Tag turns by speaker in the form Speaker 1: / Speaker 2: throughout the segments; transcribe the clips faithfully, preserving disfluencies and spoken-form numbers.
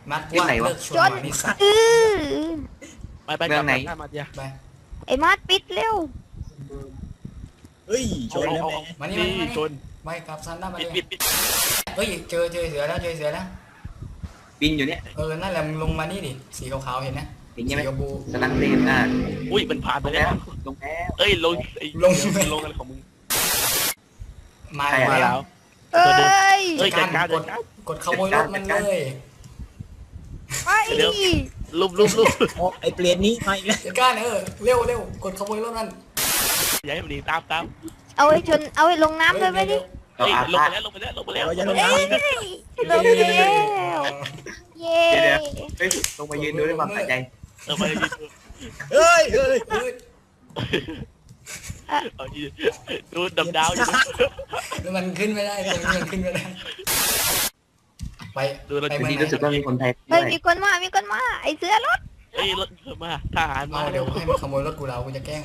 Speaker 1: มัดว่าเลิกชวนนิสัย
Speaker 2: ไปไปกลับไหนมาเดีย
Speaker 1: ไป
Speaker 3: ไอ้มาดปิดเร็ว
Speaker 4: เฮ้ยชนแล้ว
Speaker 1: มานี่มานี่ชนไม่กลับซันได้มาเลยเฮ้ยเจอเจอเสือแล้วเจอเสือแล้ว
Speaker 4: บินอยู่เนี่ย
Speaker 1: เออนั่นแหละมึงลงมานี่ดิสีขาวๆเห็นนะ
Speaker 4: สีกระบูสลังเลนอ่ะ
Speaker 2: อุ้ยมันผ่านไปแล้ว
Speaker 4: ลงแล้ว
Speaker 2: เอ้ยลง
Speaker 1: ลง
Speaker 2: ลงอะไรของมึง
Speaker 1: มา
Speaker 2: แล้ว
Speaker 3: เอ้ย
Speaker 2: เฮ้ยการกด
Speaker 1: กดขโมยรถมันเลย
Speaker 3: ไป
Speaker 2: ลุบลุบลุบ
Speaker 4: ไอ้เปลี่ยนนี้ไปแล้ว
Speaker 1: การเออเร็วเร็วกดขโมยรถมัน
Speaker 2: อย่าให้มันหนีตามตาม
Speaker 3: เอาไอ้ชนเอาไอ้ลงน้ำเลยไปดิ
Speaker 2: ลงไปแล้วลงไปแล้วลงไปแล้ว
Speaker 4: อย่าลง
Speaker 3: น้ำลงแล้วเย้
Speaker 4: เดี๋ยวเฮ้ยลงมายืนดูด้วยความสนใจ
Speaker 2: เออไปยืนดู
Speaker 4: เฮ้ยเฮ้ย
Speaker 2: ดูดำดาวอยู่
Speaker 1: แล้วมันขึ้นไม่ได้ตรงนี้มันขึ้นไม่ได้ไป
Speaker 4: ดูแล้วทีนี้รู้สึกว่ามีคนไทย
Speaker 3: เฮ้ยมีคนมามีคนมาไอ้เสือรถ
Speaker 2: เฮ้ยรถมาทหารมา
Speaker 1: เดี๋ยวให้มันขโมยรถกูเรากูจะแกล้ง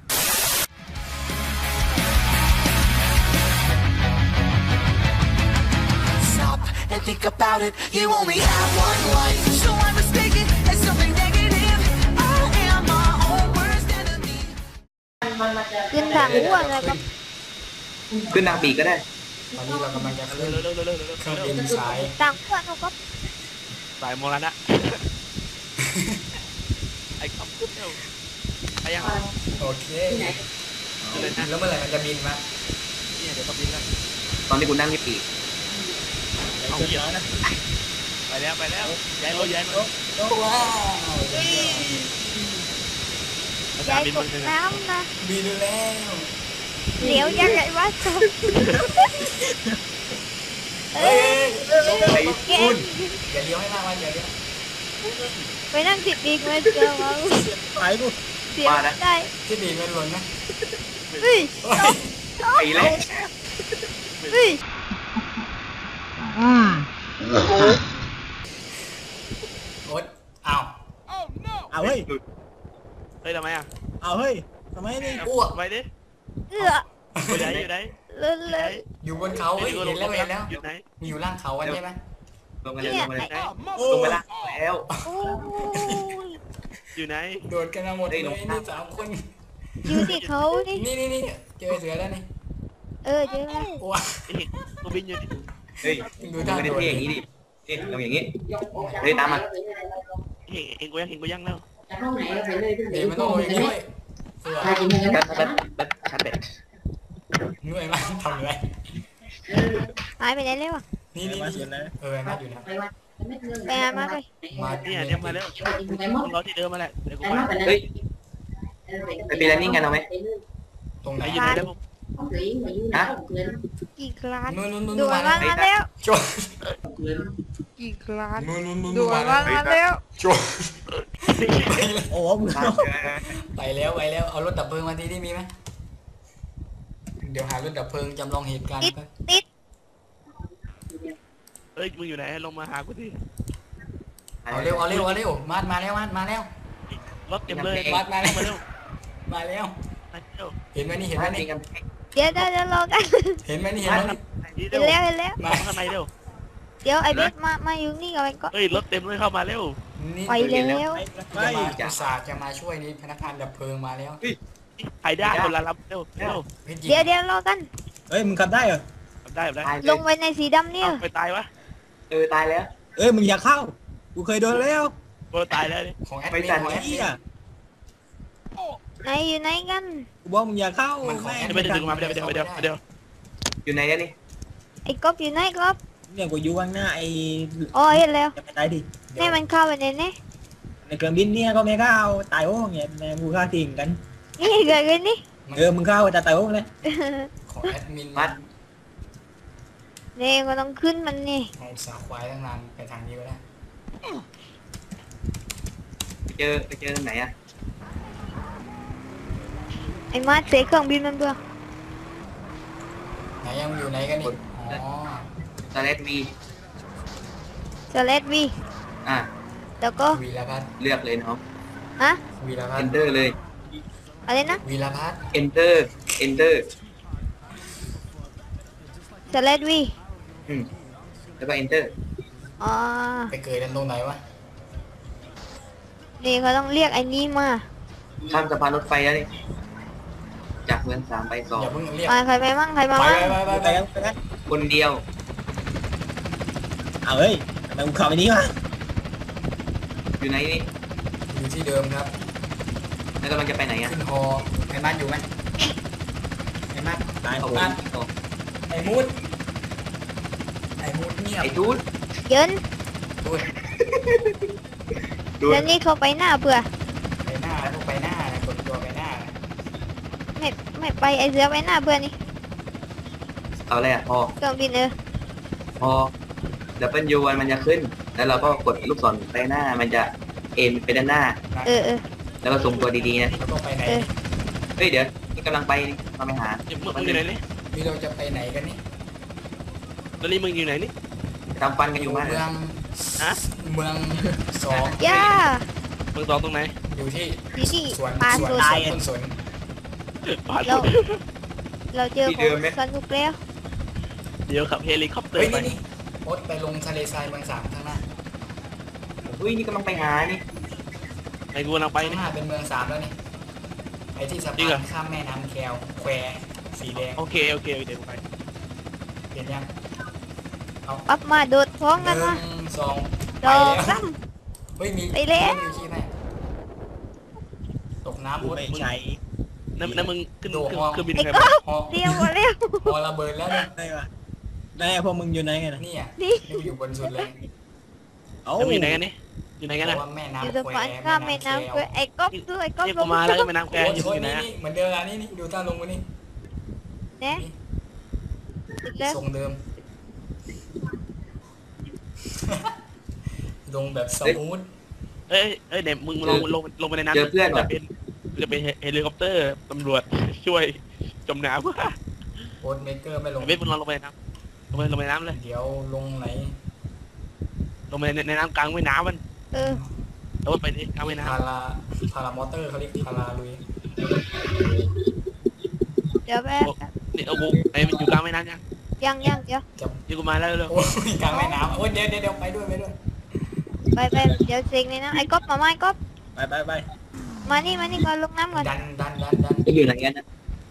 Speaker 5: Think about it, you only have one life. So I mistake it as something negative. I am my own worst enemy.
Speaker 3: ขึ้นทางอ้วนเลยครับ
Speaker 4: ขึ้นทางปีกก็ได้
Speaker 1: ตอนนี้เรากำลังจะขึ้นเครื่องบินสาย
Speaker 3: ทางอ้วนครับ
Speaker 2: สายโมรณะไอ้ขับขึ้นเร็วไปยัง
Speaker 1: โอเคแล้วเมื่อไหร่มันจะบินมา
Speaker 2: เนี่ยเดี๋ยวก็บินแล้ว
Speaker 4: ตอนนี้กูนั่งที่ปีก
Speaker 2: เอาเยอะนะไปแล้วไปแล้วย้ายรถย้ายรถ
Speaker 1: ว้าว
Speaker 3: ย้ายตกน้ำนะ
Speaker 1: บินแล้ว
Speaker 3: เดี๋ยวยังไงวะ
Speaker 1: เฮ้ย
Speaker 4: ไอ้คุณ
Speaker 1: อย่าเลี้ยวให้มากว่าอย่าเลี้ยว
Speaker 3: ไปนั่งติดปีกมาเจอมา
Speaker 4: ไปกู
Speaker 3: เสียได้
Speaker 1: ที่ปีกมันหล่นนะ
Speaker 3: เฮ้ย
Speaker 4: ไปแล้ว
Speaker 3: เฮ้ย
Speaker 4: อืม
Speaker 1: โอ๊ตอ้าว
Speaker 4: เอาเฮ้ย
Speaker 2: เฮ้ยทำไมอ่ะ
Speaker 4: เอาเฮ้ยทำไมนี่
Speaker 1: อ้วก
Speaker 2: ไปดิ
Speaker 3: เออ
Speaker 2: อยู่ไหนอยู่ไหน
Speaker 3: เลย
Speaker 1: อยู่บนเขาเห็นแล้วเห็นแล้วอยู่ไหนมีอยู่ล่างเขากันใช่ไหม
Speaker 4: ลงมาเลยลงมาเลยลงมาแล้ว
Speaker 2: อยู่ไหน
Speaker 1: โดดกันมาหมดเลยนี่สามคน
Speaker 3: อยู่ที่เขานี่
Speaker 1: นี่นี่นี่เจอเสือแล้วนี่
Speaker 3: เออเจอแล้ว
Speaker 1: ว้า
Speaker 2: ตัวบินอยู่ดิ
Speaker 4: เฮ้ยดูท่าไม่ได้เท่อย่างนี้ดิเอ๊ะลงอย่างนี้เฮ้ยตามมา
Speaker 2: เห็นเห็นกูยังเห็นกูยังแล้ว
Speaker 1: เดี๋ยวมันต้องลงอย่างนี้ด้วยเสือ
Speaker 4: แป๊บแป๊บแป๊บชัดเบ็ด
Speaker 1: เหนื่อยมากทำเลย
Speaker 3: หายไปไหนเลยวะ
Speaker 1: นี่นี่เออมาอยู่นะ
Speaker 3: ไปหามาไป
Speaker 1: มา
Speaker 2: เนี่ยเดี๋ยวมาแล้วรอที่เดิมมาแหละเดี๋ยวกูมา
Speaker 4: เฮ้ยไปปีละนิ่งกันเอาไหม
Speaker 1: ตรงไหน
Speaker 2: อยู่ไหนแล้ว
Speaker 4: ฮะ
Speaker 3: กี่คลาสดูมาแล้ว
Speaker 1: จบ
Speaker 3: กี่คลาสดูมาแล้ว
Speaker 1: จบ
Speaker 4: โอ้โห
Speaker 1: ไปแล้วไปแล้วเอารถดับเพลิงมาทีที่มีไหมเดี๋ยวหารถดับเพลิงจำลองเหตุการณ์
Speaker 3: ติด
Speaker 2: เฮ้ยมึงอยู่ไหนลงมาหากูดิ
Speaker 1: เอาเร็วเอาเร็วเอาเร็วมาดมาแล้วมาดมาแล้ว
Speaker 2: รถเต็มเลย
Speaker 1: มาดมาแล้ว
Speaker 2: มาแล้ว
Speaker 1: มาแล้วเห็นไหมนี่เห็นไหมนี่
Speaker 3: เดี๋ยวเดี๋ยวรอกัน
Speaker 1: เห็นไหมนี่เห็นไหม
Speaker 3: เห็นแล้วเห็นแล้ว
Speaker 2: มาข้างในเร็ว
Speaker 3: เดี๋ยวไอ้เบสมามาอยู่นี่กับไอ้ก็
Speaker 2: เฮ้ยรถเต็มเลยเข้ามาเร็ว
Speaker 3: ไปแล้ว
Speaker 1: จะมาจะสาจะมาช่วยนี่พนักงานดับเพลิงมาแล้ว
Speaker 2: ไอ้ได้คนละลำเร็วเร็ว
Speaker 3: เดี๋ยวเดี๋ยวรอกัน
Speaker 4: เฮ้ยมึงขับได้เหรอ
Speaker 2: ขับได้ขับได้
Speaker 3: ลงไปในสีดำเนี่ย
Speaker 2: ไปตายวะ
Speaker 4: เออตายแล้วเอ้ยมึงอยากเข้ากูเคยโดนแล้ว
Speaker 2: กูตายแล้วนี่
Speaker 1: ของแอดมินของแอดมิน
Speaker 3: ไหนอยู่ไหนกัน
Speaker 4: กูบอกมึงอยากเข้า
Speaker 2: ไม่ได้ดึงมาไม่ได้ไม่ได้ไม่ได้ไม่ได้
Speaker 4: อยู่ไหนเนี่ยนี่
Speaker 3: ไอ้ก๊อฟอยู่ไหนก๊อฟ
Speaker 4: เนี่ยกูอยู่ข้างหน้าไอ้
Speaker 3: อ๋อเห็นแล้ว
Speaker 4: จะไปตายดิ
Speaker 3: นี่มันเข้าไปในนี้
Speaker 4: ในเครื่องบินเนี่ยก็ไม่เข้าตายโอ้เงี้ยแม่กูฆ่าทิ้งกัน
Speaker 3: นี่เกิดขึ้นนี่
Speaker 4: เออมึงเข้าแต่ตายโอ้เลย
Speaker 1: ของแอดมินมัด
Speaker 3: นี่ก็ต้องขึ้นมันนี่
Speaker 1: ของสาควายตั้งนานไปทางนี้ก็ได้
Speaker 4: ไปเจอไปเจอตรงไหนอะ
Speaker 3: ไอ้มาเสกเครื่องบินมันเบื่อ
Speaker 1: ไหนยังอยู่ไหนกันนี่อ๋อ
Speaker 4: สเลดวี
Speaker 3: สเลดวี
Speaker 4: อ่ะ
Speaker 3: แล้วก็
Speaker 1: วีรพัฒน์
Speaker 4: เลือกเลยน้อง
Speaker 3: ฮะ
Speaker 1: วีรพัฒน์
Speaker 4: enter เลย
Speaker 3: อะไรนะ
Speaker 1: วีรพัฒน์
Speaker 4: enter enter
Speaker 3: สเลดวี
Speaker 4: อืมแล้วก็ enter
Speaker 3: อ๋อ
Speaker 1: ไปเกิดกันตรงไหนวะ
Speaker 3: นี่เขาต้องเรียกไอ้นี่มา
Speaker 4: ข้ามสะพานรถไฟแล้วนี่จากเมืองสามไปสอง
Speaker 1: อย่าเพิ่งเรียก
Speaker 3: มาใครไปมั่งใครมา
Speaker 1: ไป
Speaker 3: มั่ง
Speaker 1: ไปไป
Speaker 2: ไป
Speaker 1: ไป
Speaker 2: แล้วไปแล้ว
Speaker 4: คนเดียว
Speaker 2: เอาเฮ้ยทำไมกูเข้าไปนี้วะ
Speaker 4: อยู่ไหนนี่
Speaker 1: อยู่ที่เดิมครับ
Speaker 4: แล้วกำลังจะไปไหนอ่ะ
Speaker 1: ขึ้นฮอไอ้มัดอยู่ไหมไอ้มัด
Speaker 2: ตาย
Speaker 4: เอา
Speaker 2: ผม
Speaker 4: บ้านต่อ
Speaker 1: ไอ้มูดไอ้มูดเงียบ
Speaker 4: ไอ้จูด
Speaker 3: เยิน
Speaker 1: ดูด
Speaker 4: จูด
Speaker 3: แล้วนี่เขาไปหน้าเผื่อ
Speaker 1: ไปหน้าพวกไปหน้านะกดตัวไปหน้านะ
Speaker 3: ไม่ไม่ไปไอ้เสือไปหน้าเผื่อนี่
Speaker 4: เอาอะไรอ่ะพอ
Speaker 3: เครื่องบินเออ
Speaker 4: พอดับเบิลยูมันจะขึ้น แล้วเราก็กดลูกศรไปหน้ามันจะเอ็นไปด้านหน้า
Speaker 3: เออเออ
Speaker 4: แล้วก็ส่งตัวดีๆนะ
Speaker 1: แล้วก็ไปไหน
Speaker 3: เออ
Speaker 4: เฮ้ยเดี๋ยวนี่กำลังไปนี่เราไปหา
Speaker 2: มึงมึงอยู่ไหนนี่
Speaker 1: มีเราจะไปไหนกันนี่
Speaker 2: ตอนนี้มึงอยู่ไหนนี่
Speaker 4: ทำฟันกันอยู่มาก
Speaker 1: เมือง
Speaker 2: ฮะ
Speaker 1: เมืองสอง
Speaker 3: ย่า
Speaker 2: มึงตองตรงไหน
Speaker 1: อยู่ที่
Speaker 3: ที่นี่
Speaker 1: สวน
Speaker 3: ปลา
Speaker 1: สวน
Speaker 3: สด
Speaker 1: สวนต้นสน
Speaker 2: ปาด
Speaker 3: เราเราเจอของสนุกแล้ว
Speaker 2: เดี๋ยวขับเฮลิคอปเตอ
Speaker 1: เฮ้ย
Speaker 2: ร์ไป
Speaker 1: นี่นี่โอ๊ตไปลงทะเลทรายเมืองสามข้างหน้า
Speaker 4: เฮ้ยนี่กำลังไปหานี่
Speaker 2: ไอ้กูกำลังไป
Speaker 1: ข้าง
Speaker 2: นี่
Speaker 1: หน้าเป็นเมืองสามแล้วนี่ไอ้ที่สะ
Speaker 2: จริง
Speaker 1: พา
Speaker 2: เหรอ
Speaker 1: นข้ามแม่น้ำแควแควสีแดง
Speaker 2: โอเคโอเคเดี๋ยวกูไป
Speaker 1: เห็นยัง
Speaker 3: ปั๊บมาโดดท้อง
Speaker 1: ห
Speaker 3: กันมา
Speaker 1: นึ่งสอง
Speaker 3: ดอก
Speaker 1: ไป
Speaker 3: ซ้
Speaker 1: เฮ้ยมี
Speaker 3: ไปแล้ว
Speaker 1: มีชีพไหมตกน้ำ
Speaker 2: กู
Speaker 1: โอ๊ต
Speaker 2: ไม่ใช่นั่นนั่นมึงขึ้น
Speaker 1: โดด
Speaker 2: ขึ้น
Speaker 1: ห้อง
Speaker 2: เครื่องบิน
Speaker 3: ำไอ้
Speaker 2: ใคร
Speaker 3: ก๊
Speaker 2: มา
Speaker 3: อฟ
Speaker 1: ฮอ
Speaker 3: เดียวหมดแล้ว
Speaker 1: ฮอระเบิดแล้วเนี่ย
Speaker 2: ได้ปะได้พวกมึงอยู่ไหนกันนะ
Speaker 1: นี่อ่ะ
Speaker 3: นี่
Speaker 1: นี่อยู่บนสุดเลย
Speaker 2: เอ้าอยู่ไหนกันนี่อยู่ไหนกัน
Speaker 1: เพ
Speaker 2: นะ
Speaker 1: ราะว่าแม่
Speaker 3: อยู่
Speaker 1: น้ำ
Speaker 3: สะ
Speaker 1: แคว
Speaker 3: พานข้ามแม่น้ำเพื่อไอ้ก๊อฟด้วยไอ้ก๊อฟ
Speaker 2: นี่
Speaker 3: ล
Speaker 2: กู
Speaker 3: ง
Speaker 2: มาแล้วก็แม่น้ำแคว
Speaker 1: โอ้ย
Speaker 2: อยู่
Speaker 1: โอ้ย
Speaker 2: ไหน
Speaker 1: นี่
Speaker 2: นะ
Speaker 1: นี่เหมือนเดิมอ่ะนี่นี่ดูท่าลงมานี่
Speaker 3: เนี่ยติดแล้ว
Speaker 1: ทรงเดิม ลงแบบสมูท
Speaker 2: เอ้ยเอ้ยเดี๋ยวมึงลงลงลงไปในน้ำ
Speaker 4: เจอเพื่อน
Speaker 2: จะ
Speaker 4: ว่ะ
Speaker 2: เป็นจะเป็นเฮลิคอปเตอร์ตำรวจช่วยจมน้ำ
Speaker 1: โอ๊ตเมเกอร์ไม่ลง
Speaker 2: เวทมึงลองลงไปในน้ำลงไปลงไปในน้ำเลย
Speaker 1: เดี๋ยวลงไหน
Speaker 2: ลงไปในในน้ำกลางแม่น้ำมัน
Speaker 3: เออ
Speaker 2: แล้วไปที่กลางแม่น้
Speaker 1: พาราพารามอเตอร์เขาเรียกพาราลุย
Speaker 3: เดี๋ยวแป๊บ
Speaker 2: ำนี่เอาบุกไอ้มันอยู่กลางแม่น้ำยัง
Speaker 3: ยังยังเดี๋ยว
Speaker 1: จะ
Speaker 2: ยี่กูมาแล้วเร็ว
Speaker 1: โอ้ยกลางแม่น้ำโอ้ยเดี๋ยวเดี๋ยวเดี๋ยวไปด้วยไปด้วย
Speaker 3: ไปไปเดี๋ยวเซ็งเลยนะไอ้ก๊อฟมาไหมก๊อฟ
Speaker 2: ไปไปไป
Speaker 3: มานี่มานี่ก่อนลงน้ำก่อน
Speaker 1: ดันดันดันดัน
Speaker 4: จะอยู่ไหนกันนะ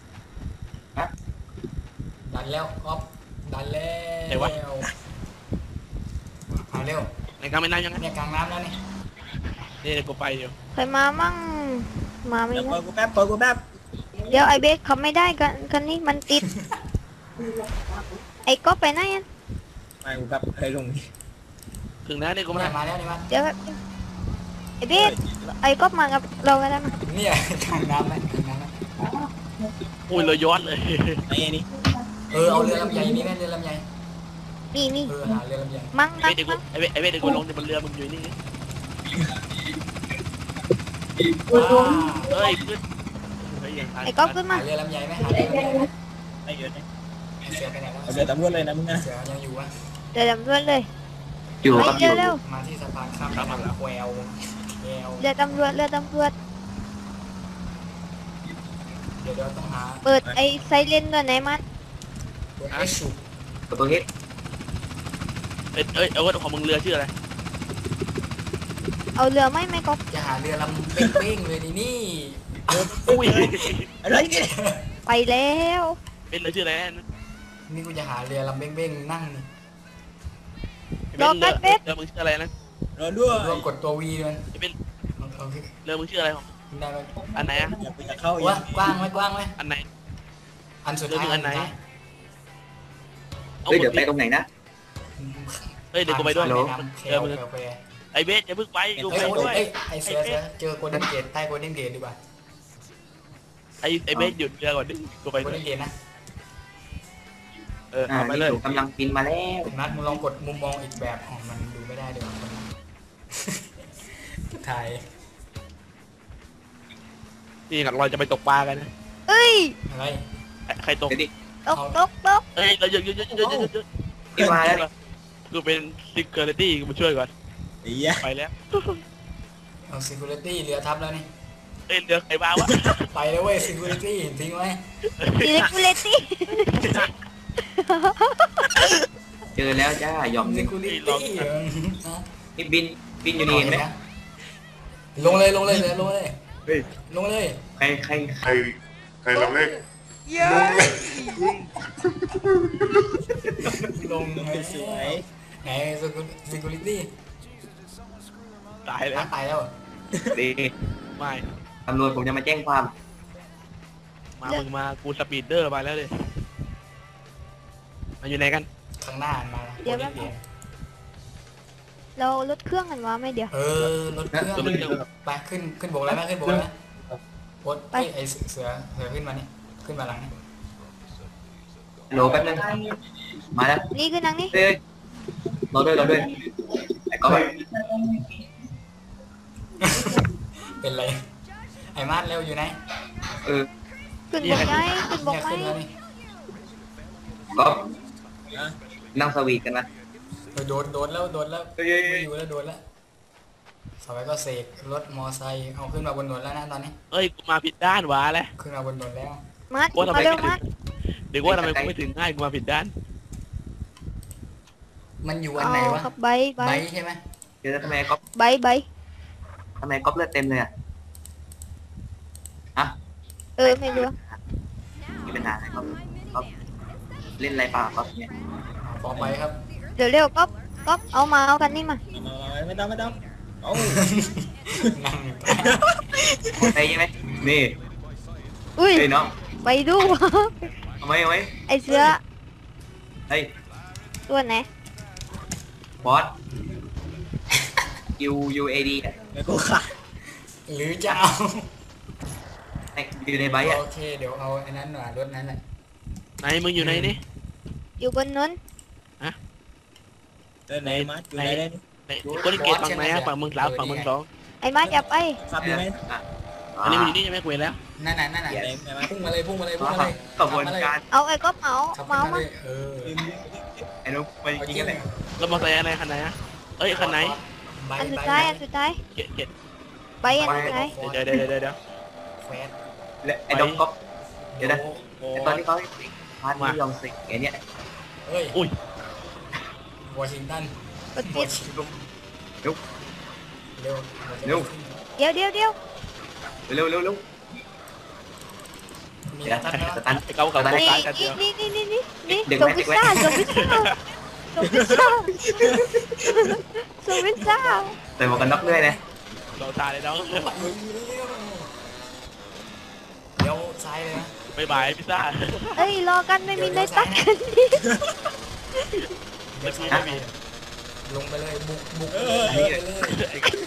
Speaker 1: ดันแล้วออฟดันแล้วมาเร็ว
Speaker 2: ในกลางแม่น้ำยังไง
Speaker 1: เนี่ยกลางน้ำแล้วนี่
Speaker 2: นี่เดี๋ยวกูไปอยู่
Speaker 3: ใครมามั่งมาไม่
Speaker 2: เดี๋ยว
Speaker 3: ได้
Speaker 2: เปิดกูแป๊บเปิดกูแป๊บ
Speaker 3: เดี๋ยวไอ้เบสเขาไม่ได้กันกันนี่มันติด ไอ้ก๊อฟไปไหนอะ
Speaker 2: ไปกูแป๊บให้ลงถึงแล้วนี่กูมา
Speaker 1: เนี่ยมาแล้วนี่มา
Speaker 3: เดี๋ยวแป๊บนึงไอ้เบสไอ้ก๊อฟมากับเรากันแล้วมั้ย
Speaker 1: เนี่ยกลางน้ำแล้วกลางน้ำแล้ว
Speaker 2: โอ้ยเราย้อนเลยไอ้นี่
Speaker 1: เออเอาเรือลำใหญ่นี่ไหมเรือลำใหญ่
Speaker 3: นี่นี่
Speaker 1: เออหาเรือลำใหญ่
Speaker 3: มั่ง
Speaker 2: ไอ้
Speaker 3: มั่ง
Speaker 2: เด็กกู
Speaker 3: มั่ง
Speaker 2: ไอ้เว้ไอ้เว้เด็กกูลงจากบนเรือมึงอยู่นี่
Speaker 1: ว้า
Speaker 2: เฮ้ยขึ้นเฮ้ยยังทัน
Speaker 3: ไอ้ก๊อฟขึ้นมา
Speaker 1: หาเรือลำใหญ่ไหมหาเรือลำใหญ่ไหม
Speaker 2: ไม่เยอะนะ
Speaker 1: เสือไปไหนแล้ว
Speaker 2: เดี๋ยวตำรวจเลยนะมึงนะ
Speaker 1: เสือยังอยู่วะ
Speaker 3: เดี๋ยวดำรวจเลย
Speaker 4: อยู่
Speaker 3: ไป
Speaker 4: ครับอ
Speaker 3: เร็
Speaker 4: ยู่
Speaker 3: วเร็ว
Speaker 1: มาที่สะพานข้ามแม่น้ำแควแคว
Speaker 3: เรือตำรวจเรือตำรวจ
Speaker 1: เดี๋ยวเราต้องหา
Speaker 3: เปิดไอ้ไซเรนด้วยไหนมัน
Speaker 1: เปิดไอชู
Speaker 4: กับตัวเฮ็ด
Speaker 2: เอ้ยเอ้ยเอาว่าของมึงเรือชื่ออะไร
Speaker 3: เอาเรือไหมไม่ก๊อฟ
Speaker 1: จะหาเรือลำเป้งๆเลยนี่นี่
Speaker 2: อุ้ยอะไรเนี่ย
Speaker 3: ไปแล้ว
Speaker 2: เป็นเรือชื่ออะไรนะ
Speaker 1: นี่กูจะหาเรือลำเป้งๆนั่งนี่
Speaker 2: เรือเรือมึงชื่ออะไรนะรอด้วย
Speaker 1: รวมกดตัววีด้วย
Speaker 2: เป็น
Speaker 1: โอเค
Speaker 2: เรือมึงชื่ออะไรของ
Speaker 1: ได้ไหม
Speaker 2: อันไหนอ่ะ
Speaker 6: อย่าไปจะเข้าอี
Speaker 1: ว่าก กว้างไหมกว้างไหม
Speaker 2: อันไหน
Speaker 1: อันสุด
Speaker 2: เรือ
Speaker 1: ท้าย
Speaker 2: มึงอันไหน
Speaker 4: เฮ้ยเดี๋ยวไปตรงไหนนะ
Speaker 2: เฮ้ยเดี๋ยวกูไปด้วย
Speaker 1: แม่น้ำแคว
Speaker 2: เรือมึง
Speaker 1: แควแคว
Speaker 2: ไอ้เบสอย่าเพิ่งไปกู
Speaker 1: เอ้
Speaker 2: ไป
Speaker 1: ย
Speaker 2: ด้วย
Speaker 1: เอ้ยไอเสือเสือเจอโกลเด้นเกตใต้โกลเด้นเกตดีกว่า
Speaker 2: ไอ้ไอ้เบสหยุดเรือก่อนดิกูไป
Speaker 1: โกล
Speaker 2: ด้วย
Speaker 1: เด้นเกตนะ
Speaker 2: เออ
Speaker 4: อ่า
Speaker 2: เอาไป
Speaker 4: นี่
Speaker 2: เลย
Speaker 4: ถูกกำลังบินมาแล้ว
Speaker 1: นัดมึงลองกดมุมมองอีกแบบอ๋อมันดูไม่ได้เดี๋ยวคนนั้นถ่าย
Speaker 2: นี่หลักเราจะไปตกปลากันนะ
Speaker 3: เอ้ย
Speaker 1: อะไร
Speaker 2: ใครตก
Speaker 4: เดี๋ยวดิ
Speaker 3: ตกตกตก
Speaker 2: เอ้ยเราเยอะเยอะเยอะเยอะเยอะเยอะ
Speaker 4: นี่มาแล้วนี่
Speaker 2: กูเป็น security กูมาช่วยก่อน
Speaker 6: ไอ้เหี้ย
Speaker 2: ไปแล้ว
Speaker 1: เอา security เรือทับแล้วนี่
Speaker 2: เอ้ยเรือใครบ้าวะ
Speaker 1: ไปแล้วเว้ย security ทิ้งไว้
Speaker 3: อิเล็กทริตี้
Speaker 4: เจอแล้วจ้าหย่อมห
Speaker 1: ซิ
Speaker 4: นึ่ง
Speaker 1: คูลิตี้
Speaker 4: นี่บินบินอยู่นี่เห็นไหม
Speaker 1: ลงเลยลงเลยลงเลย
Speaker 4: เฮ้ย
Speaker 1: ลงเลย
Speaker 4: ใครใคร
Speaker 6: ใครใครลำเล็ก
Speaker 1: ลงเลยสวยไหนซิคูลิตี้
Speaker 2: ตายแล้ว
Speaker 1: ตายแล้ว
Speaker 4: ดี
Speaker 2: ไม่
Speaker 4: ตำรวจผมจะมาแจ้งความ
Speaker 2: มามึงมากูสปีดเดอร์มาแล้วเลยมาอยู่ไหนกัน
Speaker 1: ข้างหน้ามา
Speaker 3: เดี๋ยวแป๊บนึง เราลดเครื่องกันวะไหม่เดี๋ยว
Speaker 1: เออรถเครื่องไปขึ้นขึ้นบกแล้วไหมขึ้นบกแล้วไหมโอ๊ตไอเสือเสือขึ้นมานี่ขึ้นมาหลังนี่
Speaker 4: โหลแป๊บนึงมาแล้ว
Speaker 3: นี่คือนังนี่
Speaker 4: เฮ้ยรอด้วยรอด้วยไอ้ก๊อฟ
Speaker 1: เป็นไรไอ้มาดเร็วอยู่ไหน
Speaker 4: เออ
Speaker 3: ขึ้นบกไหมขึ้นบก
Speaker 1: เนี่ย
Speaker 3: ไหม
Speaker 1: ขึ้นแล้วนี่
Speaker 4: ก๊อฟนั่งสวีทกันนะ
Speaker 1: เออโดนโดนแล้วโดนแล้ว
Speaker 4: เฮ้ย
Speaker 1: ไม่อยู่แล้วโดนแล้วสมัยก็เสกรถมอไซค์เอาขึ้นมาบนถนนแล้วนะตอนนี้
Speaker 2: เอ้ยกูมาผิดด้านวะแล้ว
Speaker 1: ขึ้นมาบนถนนแล้ว
Speaker 3: มัด
Speaker 2: ว่าทำไม
Speaker 3: มาเร็ว
Speaker 2: ไม่ถึ
Speaker 3: มั
Speaker 2: ง
Speaker 3: ด
Speaker 2: เดี๋ยวว่าทำไมกูไม่ถึงง่ายกูมาผิดด้าน
Speaker 1: มันอยู่อันไหนวะ
Speaker 3: ครับใบใบ
Speaker 1: ไบใช่ไหม
Speaker 4: เดี๋ยวทำไมก๊อฟ
Speaker 3: ใบใบ
Speaker 4: ทำไมก๊อฟเลือดเต็มเลยอ่ะฮะ
Speaker 3: เออไม่รู้
Speaker 4: มีปัญหาอะไรก๊อฟก๊อฟเล่นอะไรเปล่าก๊อฟเนี่ย
Speaker 1: ต่อไปครับ
Speaker 3: เดี๋ยวเร็วก๊อฟก๊อฟเอามาเอากันนี่มา
Speaker 7: ไม่ต้องไม่ต้องเอา
Speaker 1: นั่งอยู่
Speaker 4: ไปใช่ไหมนี่
Speaker 3: อุ้ย
Speaker 4: เฮ้ยน้อง
Speaker 3: ไปดู
Speaker 4: เอาไหมเอาไหม
Speaker 3: ไอเสือ
Speaker 4: เฮ้ย
Speaker 3: ตัวไหน
Speaker 4: บอส U U A D อ่ะ
Speaker 7: แล้วกูขาด
Speaker 1: หรือจะเอา
Speaker 4: ไอ้อยู่ในใบอ่ะ
Speaker 1: โอเคเดี๋ยวเอาไอ้นั้นหน่อยรถนั้นแหละ
Speaker 2: ไหนมึงอยู่ไหนนี่
Speaker 3: อยู่บนนั้น
Speaker 7: เดินไหนมาอยู่ไหนเลย
Speaker 2: ไหนกูได้เกตฝั่งไหนอะฝั่งมึงสามฝั่งมึงสอง
Speaker 3: ไอ้มัดอย่าไป
Speaker 7: ขับอยู่ไหม
Speaker 4: อ่ะ
Speaker 2: อันนี้มึงอยู่นี่ใช่ไหมกูเห็นแล้ว
Speaker 1: นั่นน่ะนั่นน่ะ
Speaker 7: ไหนไหนมา
Speaker 1: พุ่งมาเลยพุ่งมาเลยพุ่งมาเลย
Speaker 4: กระบวนการ
Speaker 3: เอาไอ้ก๊อฟเอา
Speaker 1: ขับ
Speaker 3: มา
Speaker 1: มา
Speaker 3: เอามา
Speaker 1: เลยเออ
Speaker 4: ไอ้นุ๊กไป
Speaker 1: เอา
Speaker 4: ยิ
Speaker 1: จ
Speaker 4: ง
Speaker 1: ริง
Speaker 4: กันเลย
Speaker 2: แล้วมอเตอร์ไซค์อะไรคันไหนอะเอ้ยคันไหน
Speaker 1: ใบ
Speaker 3: อันสุด
Speaker 1: ใบ
Speaker 3: ท้ายอันสุดท้าย
Speaker 2: เกตเกต
Speaker 3: ใบอันสุดท้าย
Speaker 2: เดี๋ยวเดี๋ยวเดี๋ยวเดี๋ยวเดี๋ยว
Speaker 1: แควส
Speaker 4: และไอ้ดอกก๊อฟ เดี๋ยวนะ
Speaker 2: โอ้
Speaker 4: ไอ้ตอนที่เขาให้สิงพาร์ทที่ยองสิงไอ้เนี่ย
Speaker 1: เอ้ย
Speaker 2: อุ้ยว
Speaker 1: อชิงตัน
Speaker 3: กดปิด
Speaker 1: เร็ว
Speaker 3: เดี๋ยวเดี๋ยวเดี๋ยว
Speaker 4: เร็วเร็วเร็ว
Speaker 1: มี
Speaker 4: เดี๋ยว
Speaker 1: ตันแล้ว
Speaker 4: สตัน
Speaker 2: ไอ้เก้ากับโบ
Speaker 3: นี่
Speaker 2: กายกันเดียว
Speaker 3: นี่นี่นี่นี่นี่
Speaker 4: ดึง
Speaker 3: ส่ง
Speaker 4: ไว้
Speaker 3: พิซ
Speaker 4: ดึงไว้
Speaker 3: ซ่าส่งพิซซ่าส่งพิซซ่าส่งพิซซ่า
Speaker 4: ใส่หมวกกันน็อกด้วยนะ
Speaker 2: เราตายเลยน้อง
Speaker 1: เดี๋ยวซ้ายเลยนะ
Speaker 2: บายบายพิซซ่า
Speaker 3: เอ้ยรอกันไม่มีได้ตักกันนี่
Speaker 1: เดี๋ยวซ้ายไม่มีลงไปเลยบุกบุกไปเลยไปเลย